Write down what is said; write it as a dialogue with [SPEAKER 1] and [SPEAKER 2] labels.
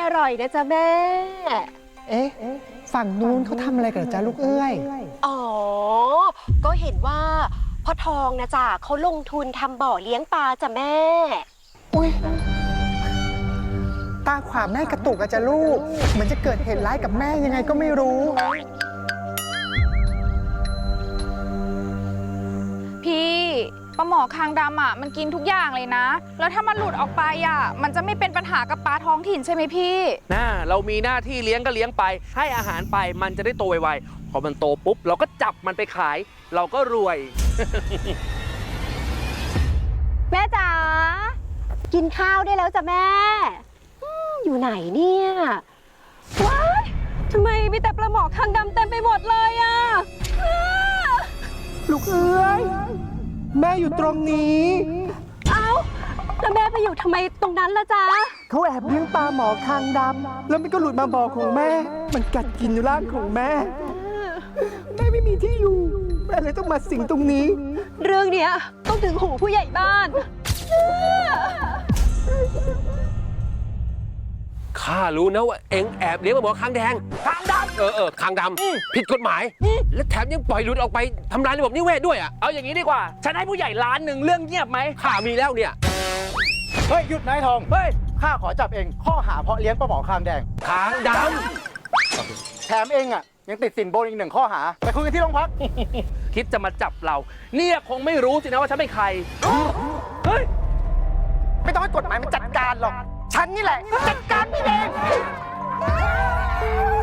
[SPEAKER 1] อร่อยนะจ๊ะแม่
[SPEAKER 2] เอ๊ะฝั่งนู้นเขาทำอะไรกันจ๊ะลูกเอ้ย
[SPEAKER 1] อ๋อก็เห็นว่าพ่อทองนะจ๊ะเขาลงทุนทำบ่อเลี้ยงปลาจ้ะแม่
[SPEAKER 2] อุ้ยตาขวาแม่กระตุกอะจ๊ะลูกเหมือนจะเกิดเหตุร้ายกับแม่ยังไงก็ไม่รู้
[SPEAKER 3] พี่ปลาหมอคางดำอ่ะมันกินทุกอย่างเลยนะแล้วถ้ามันหลุดออกไปอ่ะมันจะไม่เป็นปัญหากับปลาท้องถิ่นใช่ไหมพี่
[SPEAKER 4] เรามีหน้าที่เลี้ยงก็เลี้ยงไปให้อาหารไปมันจะได้โตไวๆพอมันโตปุ๊บเราก็จับมันไปขายเราก็รวย
[SPEAKER 1] แม่จ๋ากินข้าวได้แล้วจ้ะแม่อยู่ไหนเนี่ยว้ายทำไมมีแต่ปลาหมอคางดำเต็มไปหมดเลยอ่ะ
[SPEAKER 2] ลูกเอ้ยแม่อยู่ตรงนี้
[SPEAKER 1] เอ้าแล้วแม่ไปอยู่ทำไมตรงนั้นล่ะจ๊ะ
[SPEAKER 2] เขาแอบเลี้ยงปลาหมอคางดำแล้วมันก็หลุดมาบ่อของแม่มันกัดกินร่างของแม่แม่ไม่มีที่อยู่แม่เลยต้องมาสิงตรงนี้
[SPEAKER 1] เรื่องเนี้ยต้องถึงหูผู้ใหญ่บ้าน
[SPEAKER 4] ข้ารู้นะว่าเอ็งแอบเลี้ยงปลาหมอคางแดงคางดำคางดำผิดกฎหมายและแถมยังปล่อยหลุดออกไปทำลายระบบนิเวศด้วยอ่ะเอาอย่างนี้ดีกว่าฉันให้ผู้ใหญ่1,000,000เรื่องเงียบไหมข้ามีแล้วเนี่ย
[SPEAKER 5] เฮ้ยหยุดนายทองเฮ้ยข้าขอจับเองข้อหาเพาะเลี้ยงปลาหมอคางแดง
[SPEAKER 4] คางด
[SPEAKER 5] แถมเองอ่ะยังติดสินบนอีก1 ข้อหาไปคุยกันที่โรงพัก
[SPEAKER 4] คิดจะมาจับเราเนี่ยคงไม่รู้สินะว่าฉันเป็นใครเฮ้ย
[SPEAKER 5] ไม่ต้องให้กฎหมายมันจัดการหรอกฉันนี่แหละจัดการพี่เอง